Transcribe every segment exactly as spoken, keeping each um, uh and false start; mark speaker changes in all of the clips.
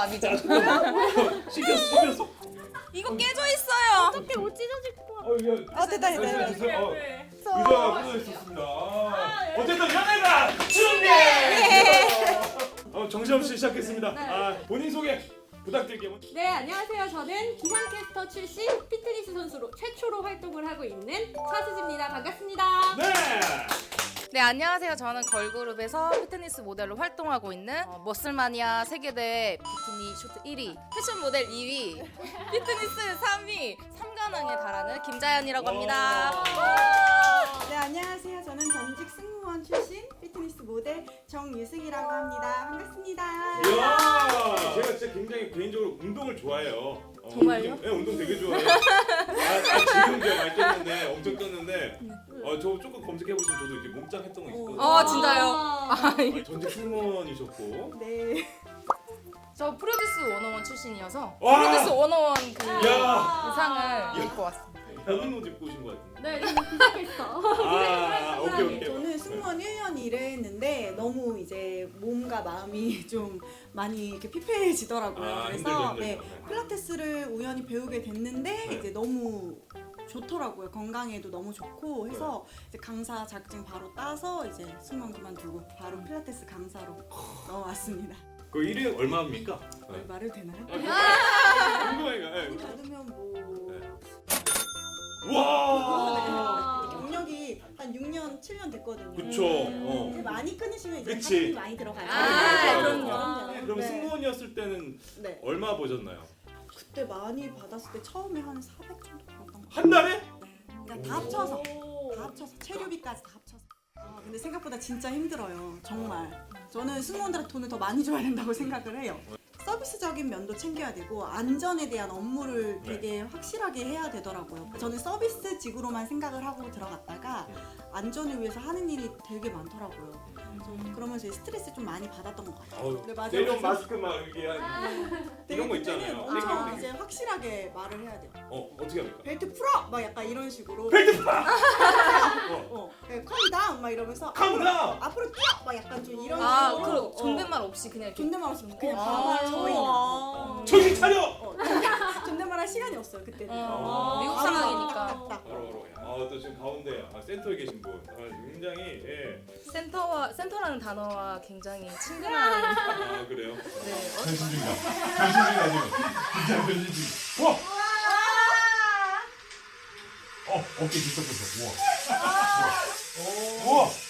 Speaker 1: 답이죠.
Speaker 2: 씻겼어, 씻겼어.
Speaker 1: 이거 깨져 있어요.
Speaker 3: 어떻게 옷 찢어질 거?
Speaker 2: 어, 이거.
Speaker 3: 아 됐다 됐다 됐다.
Speaker 2: 주세요. 어, 의자가 부서 있었습니다. 아, 어쨌든 연애가 준비. 어, 정신없이 시작했습니다. 아, 본인 소개 부탁드릴게요.
Speaker 3: 네 안녕하세요. 저는 기상캐스터 출신 피트니스 선수로 최초로 활동을 하고 있는 차수지입니다. 반갑습니다.
Speaker 2: 네.
Speaker 1: 네, 안녕하세요. 저는 걸그룹에서 피트니스 모델로 활동하고 있는 어, 머슬마니아 세계대회 비키니 쇼트 일 위, 패션 모델 이 위, 피트니스 삼 위, 삼관왕에 달하는 김자연이라고 합니다.
Speaker 4: 네 안녕하세요. 저는 전직 승무원 출신 피트니스 모델 정유승이라고 합니다. 반갑습니다.
Speaker 2: 이야, 제가 진짜 굉장히 개인적으로 운동을 좋아해요. 어,
Speaker 1: 정말요?
Speaker 2: 운동, 네, 운동 되게 좋아해요. 아, 아 지금 제가 많이 떴는데, 엄청 떴는데, 어, 저 조금 검색해 보시면 저도 이렇게 몸짱 했던 거 있거든요.
Speaker 1: 어, 진짜요?
Speaker 2: 아, 전직 승무원이셨고.
Speaker 4: 네.
Speaker 1: 저 프로듀스 백일 출신이어서
Speaker 2: 와!
Speaker 1: 프로듀스 백일 그
Speaker 2: 야,
Speaker 1: 의상을 입고 왔습니다.
Speaker 2: 다른 옷 입고 오신 것 같은데.
Speaker 3: 네 저는 기상캐스터.
Speaker 2: 아, 오케이 오케이.
Speaker 4: 저는 승무원 일 년 일을 했는데 너무 이제 몸과 마음이 좀 많이 이렇게 피폐해지더라고요.
Speaker 2: 아,
Speaker 4: 그래서
Speaker 2: 힘들죠,
Speaker 4: 네,
Speaker 2: 힘들죠. 네.
Speaker 4: 필라테스를 우연히 배우게 됐는데
Speaker 2: 네.
Speaker 4: 이제 너무 좋더라고요. 건강에도 너무 좋고 해서 이제 강사 자격증 바로 따서 이제 승무원 그만두고 바로 필라테스 강사로 넘어왔습니다.
Speaker 2: 그 일 위 얼마입니까? 네.
Speaker 4: 말을 되나요?
Speaker 2: 궁금해요. 네.
Speaker 4: 많이 받으면 뭐
Speaker 2: 와.
Speaker 4: 경력이 한 육 년, 칠 년 됐거든요.
Speaker 2: 그쵸. 어.
Speaker 4: 근데 많이 끊으시면 이제
Speaker 2: 그치.
Speaker 4: 사진이 많이 들어가요.
Speaker 1: 아,
Speaker 2: 그럼요.
Speaker 4: 그럼요.
Speaker 2: 그럼
Speaker 4: 네.
Speaker 2: 승무원이었을 때는
Speaker 4: 네.
Speaker 2: 얼마 보셨나요?
Speaker 4: 그때 많이 받았을 때 처음에 한 사백 정도 받았던 것 같아요.
Speaker 2: 한 달에?
Speaker 4: 네. 그러니까 다 합쳐서 다 합쳐서 체류비까지 다 합쳐서. 아, 근데 생각보다 진짜 힘들어요. 정말. 저는 승무원들한테 돈을 더 많이 줘야 된다고 생각을 해요. 서비스적인 면도 챙겨야 되고 안전에 대한 업무를 되게 확실하게 해야 되더라고요. 저는 서비스직으로만 생각을 하고 들어갔다가 안전을 위해서 하는 일이 되게 많더라고요. 그래서 그러면서 스트레스 좀 많이 받았던 것 같아요.
Speaker 2: 어우,
Speaker 4: 네, 맞아요.
Speaker 2: 내년
Speaker 4: 그래서
Speaker 2: 마스크 막 이렇게 한
Speaker 4: 되게
Speaker 2: 이런 거
Speaker 4: 그때는
Speaker 2: 있잖아요.
Speaker 4: 엄청
Speaker 2: 땡기고
Speaker 4: 이제
Speaker 2: 땡기고.
Speaker 4: 확실하게 말을 해야 돼요.
Speaker 2: 어, 어떻게 합니까?
Speaker 4: 벨트 풀어! 막 약간 이런 식으로.
Speaker 2: 벨트 파! 어.
Speaker 4: 어, 네, calm 막 이러면서
Speaker 2: 카운트다운!
Speaker 4: 앞으로 뛰어! 막 약간 좀 이런
Speaker 1: 아,
Speaker 4: 식으로.
Speaker 1: 그리고
Speaker 4: 어,
Speaker 1: 존댓말 없이 그냥 이렇게
Speaker 4: 존댓말 없이 그냥
Speaker 1: 아.
Speaker 4: 가만히 서 있는. 어,
Speaker 2: 정신 차려!
Speaker 4: 어, 존댓말 할 시간이 없어요 그때는.
Speaker 1: 어, 미국
Speaker 4: 바로
Speaker 1: 상황이니까.
Speaker 4: 딱딱딱.
Speaker 2: 바로 바로. 아, 또 지금 가운데 아, 센터에 계신 분. 아, 굉장히 예.
Speaker 1: 센터와 센터라는 단어와 굉장히 친근한
Speaker 2: 아, 그래요.
Speaker 1: 네.
Speaker 2: 변신 중이다. 변신 중이다 지금. 진짜 변신 중. 우와! 어, 어깨 뒤섞였어. 우와. 우와.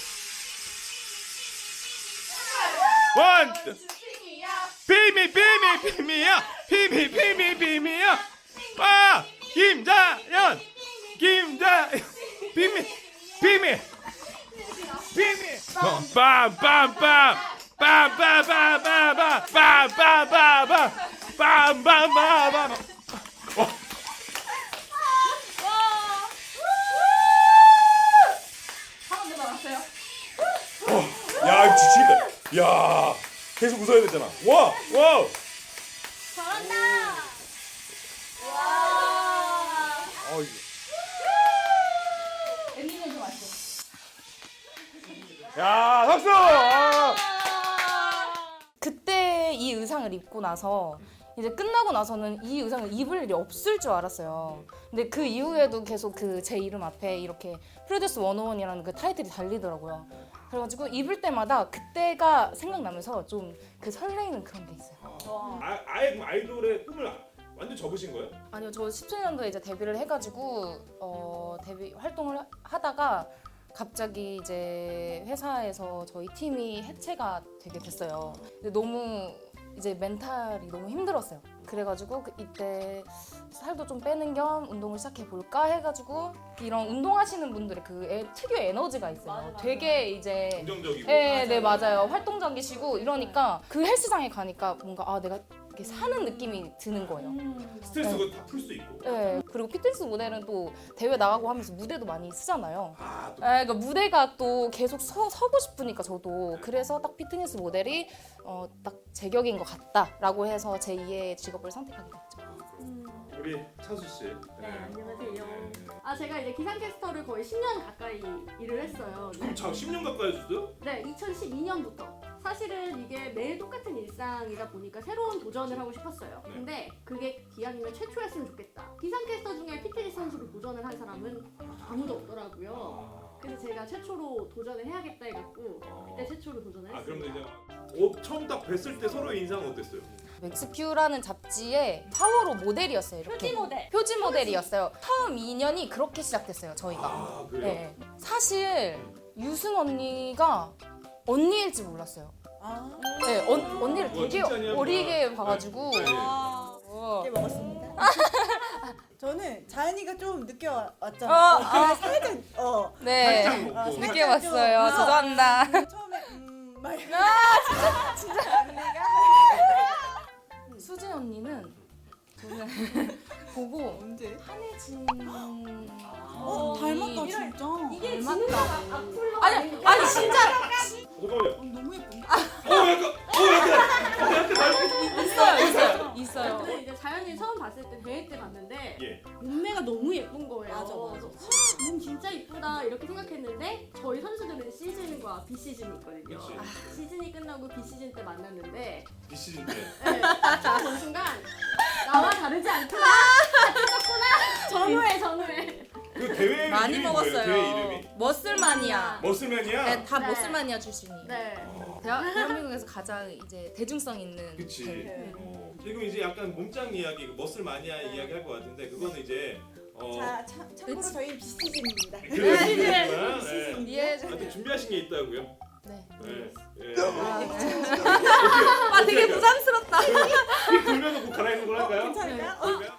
Speaker 2: 원. 비미 비미 비미야. 비미 비미 비미야. 빠. 김자연. 김자. 비미 비미. 비미. 빰빰빰빰. 빰빰빰빰빰. 빰빰빰빰. 빰빰빰빰. 야, 지치겠다. 야, 계속 웃어야 되잖아. 와, 와.
Speaker 3: 잘한다.
Speaker 2: 어,
Speaker 3: 엔딩은 좀 아쉬워.
Speaker 2: 야, 박수. 아.
Speaker 1: 그때 이 의상을 입고 나서 이제 끝나고 나서는 이 의상을 입을 일이 없을 줄 알았어요. 근데 그 이후에도 계속 그 제 이름 앞에 이렇게 프로듀스 백일이라는 그 타이틀이 달리더라고요. 그래가지고 입을 때마다 그때가 생각나면서 좀 그 설레이는 그런 게 있어요.
Speaker 2: 아, 아예 그럼 아이돌의 꿈을 완전 접으신 거예요?
Speaker 1: 아니요, 저 십칠 년도에 이제 데뷔를 해가지고 어, 데뷔 활동을 하다가 갑자기 이제 회사에서 저희 팀이 해체가 되게 됐어요. 근데 너무 이제 멘탈이 너무 힘들었어요. 그래가지고 그 이때 살도 좀 빼는 겸 운동을 시작해 볼까 해가지고 이런 운동하시는 분들의 그 에, 특유의 에너지가 있어요.
Speaker 3: 맞아, 맞아.
Speaker 1: 되게 이제
Speaker 2: 긍정적이고.
Speaker 1: 네, 네 맞아요. 활동적이시고 이러니까 그 헬스장에 가니까 뭔가 아 내가 이렇게 사는 느낌이 드는 거예요.
Speaker 2: 스트레스 그거 다 풀 수 있고.
Speaker 1: 네, 그리고 피트니스 모델은 또 대회 나가고 하면서 무대도 많이 쓰잖아요.
Speaker 2: 아, 또
Speaker 1: 네, 그러니까 무대가 또 계속 서, 서고 싶으니까 저도 그래서 딱 피트니스 모델이 어, 딱 제격인 것 같다라고 해서 제이의 직업을 선택하게 됐죠.
Speaker 2: 우리 차수 씨.
Speaker 3: 네, 안녕하세요.
Speaker 2: 네.
Speaker 3: 아 제가 이제 기상캐스터를 거의 십 년 가까이 일을 했어요.
Speaker 2: 그럼 자 십 년 가까이 했어요?
Speaker 3: 네, 이천십이 년부터 사실은 이게 매일 똑같은 일상이다 보니까 새로운 도전을 하고 싶었어요.
Speaker 2: 네.
Speaker 3: 근데 그게 기왕이면 최초였으면 좋겠다. 기상캐스터 중에 피트니스 선수로 도전을 한 사람은 아무도 없더라고요. 그래서 제가 최초로 도전을 해야겠다 해갖고 그때 최초로 도전을
Speaker 2: 아 그럼
Speaker 3: 했습니다.
Speaker 2: 이제 어, 처음 딱 뵀을 때 서로의 인상은 어땠어요?
Speaker 1: 맥스큐라는 잡지의 파워로 모델이었어요. 이렇게.
Speaker 3: 표지 모델.
Speaker 1: 표지 모델이었어요. 처음 인연이 그렇게 시작됐어요. 저희가.
Speaker 2: 아 그래요?
Speaker 1: 네. 사실 유승 언니가 언니일지 몰랐어요.
Speaker 4: 아,
Speaker 1: 네, 언, 언니를
Speaker 2: 와,
Speaker 1: 되게
Speaker 2: 칭찬이야,
Speaker 1: 어리게
Speaker 2: 그거.
Speaker 1: 봐가지고.
Speaker 2: 네.
Speaker 4: 아,
Speaker 1: 어.
Speaker 4: 네 먹었습니다. 저는 자연이가 좀 늦게 와- 왔잖아.
Speaker 1: 어,
Speaker 4: 어, 그래서 살짝 어
Speaker 1: 네.
Speaker 2: 살짝 먹고.
Speaker 4: 아,
Speaker 1: 늦게
Speaker 4: 살짝
Speaker 1: 왔어요.
Speaker 4: 좀, 어,
Speaker 1: 죄송합니다.
Speaker 4: 음, 처음에 음막
Speaker 1: 수진 언니는 저는 보고
Speaker 4: 언제?
Speaker 1: 한혜진.
Speaker 4: 어 닮았다 진짜.
Speaker 3: 이게
Speaker 1: 닮았다.
Speaker 3: 진우가 악플러
Speaker 1: 아니, 아니 진짜
Speaker 2: 잠깐만요.
Speaker 4: 어, 너무 예쁜데?
Speaker 2: 어 약간 어 약간 어 약간 닮은
Speaker 1: 있어요, 있어요, 있어요.
Speaker 3: 근데 이제 자연이 처음 봤을 때 대회 때 봤는데
Speaker 2: 예.
Speaker 3: 몸매가 너무 예쁜 거예요.
Speaker 4: 맞아, 맞아.
Speaker 3: 그래서 헉, 몸 진짜 이쁘다 이렇게 생각했는데 저희 선수들은 시즌과 비시즌이 있거든요.
Speaker 2: 그치.
Speaker 3: 아, 시즌이 끝나고 비시즌 때 만났는데
Speaker 2: 비시즌 때.
Speaker 3: 네, 처음 본 순간 나와 다르지 않구나. 같이 쪘구나. 전후회 전후회.
Speaker 2: 그 대회
Speaker 1: 많이
Speaker 2: 이름이
Speaker 1: 먹었어요.
Speaker 2: 뭐예요? 대회 이름이?
Speaker 1: 머슬마니아.
Speaker 2: 머슬맨이야?
Speaker 1: 네, 다
Speaker 3: 네.
Speaker 1: 머슬마니아 출신이에요.
Speaker 3: 네.
Speaker 1: 대한, 대한민국에서 가장 이제 대중성 있는.
Speaker 2: 그치.
Speaker 4: 네.
Speaker 2: 어, 지금 이제 약간 몸짱 이야기, 그 머슬 마니아 이야기 할 것 같은데 그거는 이제 어.
Speaker 4: 자, 차, 참고로
Speaker 1: 그치.
Speaker 4: 저희 비시즌입니다.
Speaker 2: 그래,
Speaker 3: 네.
Speaker 2: 비시즌이구나. 네.
Speaker 4: 비시즌.
Speaker 1: 이해해줘.
Speaker 2: 하여튼 준비하신 게 있다고요?
Speaker 1: 네.
Speaker 2: 네. 예.
Speaker 1: 아, 네.
Speaker 2: 어떻게-
Speaker 1: 아, 되게
Speaker 2: 어떻게
Speaker 1: 부담스럽다.
Speaker 2: 휙 돌면서 뭐 갈아입는 걸 할까요?
Speaker 4: 괜찮을까요? 어,
Speaker 2: 그럴까요?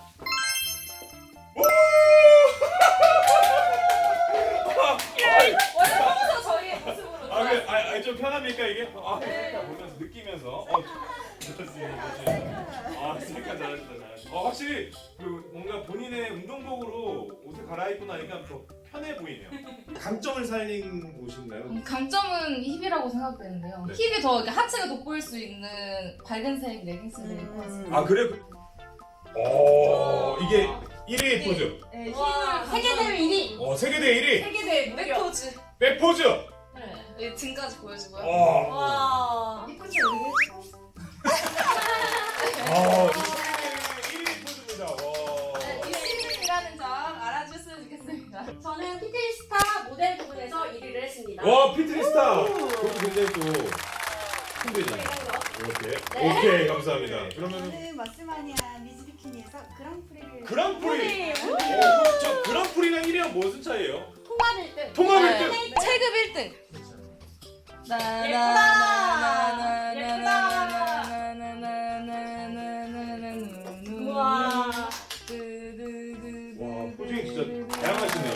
Speaker 1: 원래 평소 저희의 모습으로.
Speaker 2: 아, 그, 아, 아, 좀 편합니까 이게? 아, 네. 보면서 느끼면서. 어, 좋습니다. 아, 셀카 잘하신다, 잘하신다. 어, 확실히 그 뭔가 본인의 운동복으로 옷을 갈아입고 나니까 더 편해 보이네요. 강점을 살린 옷인가요?
Speaker 1: 음, 강점은 힙이라고 생각되는데요.
Speaker 2: 네.
Speaker 1: 힙이 더 이렇게 하체가 돋보일 수 있는 밝은색 레깅스를 입고 왔어요.
Speaker 2: 아, 그래? 오, 이게 일 위 포즈.
Speaker 1: 네,
Speaker 3: 와, 세계대회 일 위.
Speaker 2: 어, 세계대 일 위.
Speaker 1: 세계대 백포즈.
Speaker 2: 백포즈.
Speaker 1: 네, 여기 등까지 보여주고요.
Speaker 2: 어.
Speaker 3: 와.
Speaker 1: 이쁘죠, 이게?
Speaker 2: 아, 일 위 포즈입니다. 와.
Speaker 1: 네, 시즌이라는 점 알아주셨으면 좋겠습니다.
Speaker 3: 저는 피트니스타 모델 부분에서 일 위를 했습니다.
Speaker 2: 와, 피트니스타. 그것도 굉장히 또 힘들잖아요. 이렇게. 오케이, 감사합니다. 그러면
Speaker 4: 저는 머스마니아 미즈비키니에서 그랑프리를
Speaker 2: 그랑프리.
Speaker 3: 오.
Speaker 2: 어, 저 그랑프리랑 일 위랑 무슨 차이예요?
Speaker 3: 통합 일 등.
Speaker 2: 통합
Speaker 1: 네.
Speaker 2: 일 등.
Speaker 1: 체급 일 등.
Speaker 3: 우와.
Speaker 2: 와, 포징이 진짜 다양하시네요.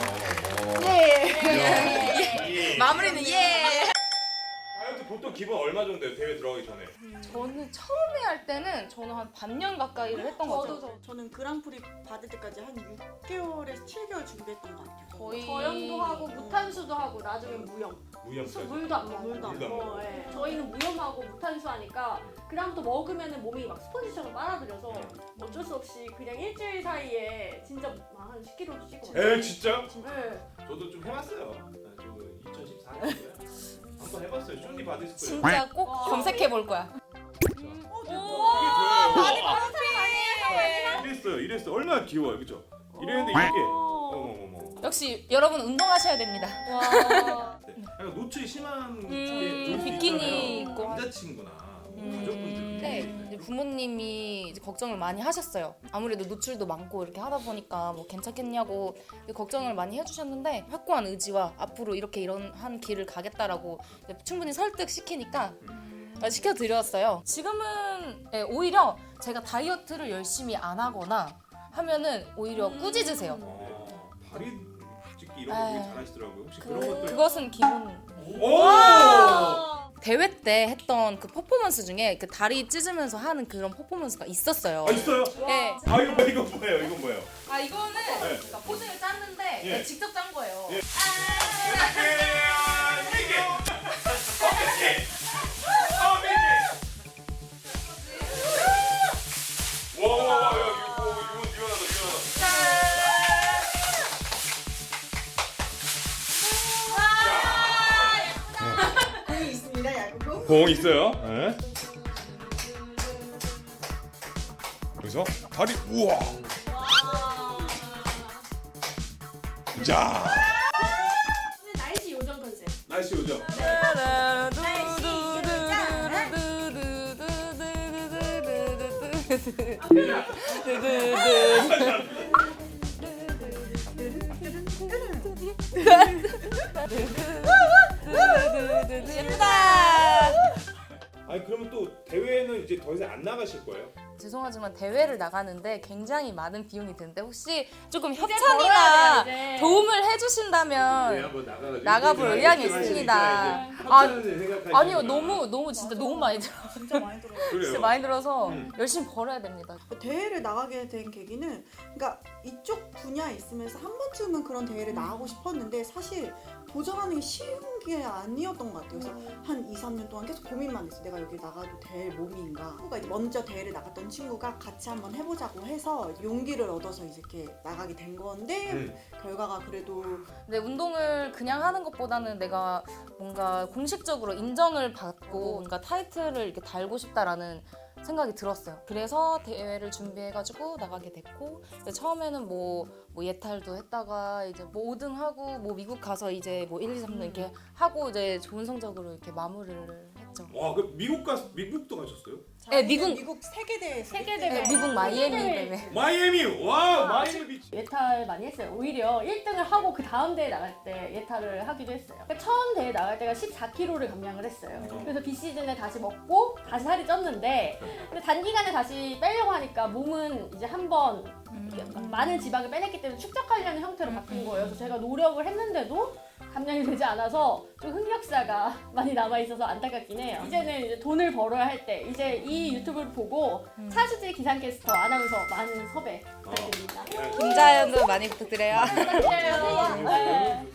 Speaker 2: 예.
Speaker 1: 마무리는 예.
Speaker 2: 다이어트 보통 기본 얼마 정도 돼요? 대회 들어가기 전에?
Speaker 1: 저는 처음에 할 때는 저는 한 반년 가까이를 했던 것 같아요.
Speaker 4: 저도 저, 저는 그랑프리 받을 때까지 한 육 개월에서 칠 개월 준비했던 것 같아요.
Speaker 1: 거의
Speaker 3: 저염도 하고 무탄수도 하고 나중에 무염.
Speaker 2: 무염까지.
Speaker 3: 물도 안 먹고.
Speaker 4: 물도 안
Speaker 2: 먹고.
Speaker 3: 어, 예. 저희는 무염하고 무탄수 하니까 그다음부터 먹으면 몸이 막 스펀지처럼 빨아들여서 어쩔 수 없이 그냥 일주일 사이에 진짜 한 십 킬로그램 찌고.
Speaker 2: 에 진짜?
Speaker 3: 네.
Speaker 2: 저도 좀 해봤어요. 저 이천십사 년도에 한번 해봤어요. 쇼니 받으실 거예요.
Speaker 1: 진짜 꼭
Speaker 3: 와.
Speaker 1: 검색해 볼 거야.
Speaker 4: 어,
Speaker 2: 이게
Speaker 4: 대박.
Speaker 2: 저예요. 이랬어요. 이랬어. 얼마나 귀여워요, 그죠? 이랬는데 이게 어머머머.
Speaker 1: 역시 여러분 운동하셔야 됩니다.
Speaker 3: 와.
Speaker 2: 네. 약간 노출이 심한 게
Speaker 1: 음,
Speaker 2: 좋을 수
Speaker 1: 비키니
Speaker 2: 있잖아요.
Speaker 1: 입고.
Speaker 2: 남자친구나 뭐
Speaker 1: 음.
Speaker 2: 가족분들.
Speaker 1: 네, 이제 부모님이 이제 걱정을 많이 하셨어요. 아무래도 노출도 많고 이렇게 하다 보니까 뭐 괜찮겠냐고 걱정을 많이 해주셨는데 확고한 의지와 앞으로 이렇게 이런 한 길을 가겠다라고 이제 충분히 설득시키니까 어, 시켜드렸어요. 지금은 네, 오히려 제가 다이어트를 열심히 안 하거나 하면은 오히려 꾸짖으세요.
Speaker 2: 어, 다리 찍기 이런 거 되게
Speaker 1: 에이.
Speaker 2: 잘하시더라고요. 혹시
Speaker 1: 그,
Speaker 2: 그런 것들.
Speaker 1: 그것은 기본.
Speaker 2: 오!
Speaker 1: 대회 때 했던 그 퍼포먼스 중에 그 다리 찢으면서 하는 그런 퍼포먼스가 있었어요.
Speaker 2: 아 있어요?
Speaker 1: 네.
Speaker 2: 아 이거 뭐 이거 뭐예요? 이건 뭐예요?
Speaker 1: 아 이거는
Speaker 2: 네.
Speaker 1: 그러니까 포즈를 짰는데
Speaker 2: 예.
Speaker 1: 직접 짠 거예요.
Speaker 2: 예.
Speaker 4: 공이 있습니다, 야구공.
Speaker 2: 공 있어요. 네. 여기서 다리 우와. 자.
Speaker 3: 날씨 요정 컨셉.
Speaker 2: 날씨 오죠.
Speaker 1: 예쁘다.
Speaker 2: 아니 그러면 또 대회는 이제 더 이상 안 나가실 거예요?
Speaker 1: 죄송하지만 대회를 나가는데 굉장히 많은 비용이 드는데 혹시 조금
Speaker 3: 벌어야
Speaker 1: 협찬이나
Speaker 3: 돼요, 이제.
Speaker 1: 도움을 해주신다면
Speaker 2: 한번 나가가지고
Speaker 1: 나가볼
Speaker 2: 이제
Speaker 1: 의향이
Speaker 2: 이제
Speaker 1: 있습니다.
Speaker 2: 아,
Speaker 1: 아니요, 너무 너무 진짜 너무 많이 들어.
Speaker 4: 진짜 많이 들어요.
Speaker 2: 그래요.
Speaker 1: 진짜 많이 들어서
Speaker 2: 음.
Speaker 1: 열심히 벌어야 됩니다.
Speaker 4: 대회를 나가게 된 계기는 그러니까 이쪽 분야에 있으면서 한 번쯤은 그런 대회를 나가고 싶었는데 사실 도전하는 게 쉬운 게 아니었던 것 같아요. 그래서 한 이, 삼 년 동안 계속 고민만 했어요. 내가 여기 나가도 될 몸인가. 친구가 이제 먼저 대회를 나갔던 친구가 같이 한번 해보자고 해서 용기를 얻어서 이제 이렇게 나가게 된 건데
Speaker 2: 음.
Speaker 4: 결과가 그래도
Speaker 1: 근데 운동을 그냥 하는 것보다는 내가 뭔가 공식적으로 인정을 받고 뭔가 타이틀을 이렇게 달고 싶다라는 생각이 들었어요. 그래서 대회를 준비해가지고 나가게 됐고 근데 처음에는 뭐, 뭐 예탈도 했다가 이제 뭐 오 등 하고 뭐 미국 가서 이제 뭐 일, 이, 삼 등 이렇게 하고 이제 좋은 성적으로 이렇게 마무리를 했죠.
Speaker 2: 와, 그 미국 가 미국도 가셨어요?
Speaker 1: 네, 미국-
Speaker 4: 미국 세계 대회에서
Speaker 3: 세계
Speaker 1: 네,
Speaker 3: 대회.
Speaker 1: 미국 마이애미
Speaker 3: 대회.
Speaker 1: 대회.
Speaker 2: 마이애미. 와, 마이애미 비치.
Speaker 3: 예탈 많이 했어요. 오히려 일 등을 하고 그 다음 대회 나갈 때 예탈을 하기도 했어요. 그러니까 처음 대회 나갈 때가 십사 킬로그램을 감량을 했어요. 그래서 비시즌에 다시 먹고 다시 살이 쪘는데 근데 단기간에 다시 빼려고 하니까 몸은 이제 한번 많은 지방을 빼냈기 때문에 축적하려는 형태로 바뀐 거예요. 그래서 제가 노력을 했는데도 감량이 되지 않아서 좀 흑역사가 많이 남아 있어서 안타깝긴 해요. 이제는 이제 돈을 벌어야 할 때 이제 이 유튜브를 보고 차수지 기상캐스터 아나운서 많은 섭외 부탁드립니다.
Speaker 1: 김자연도 많이 부탁드려요.
Speaker 3: 부탁드려요. 네.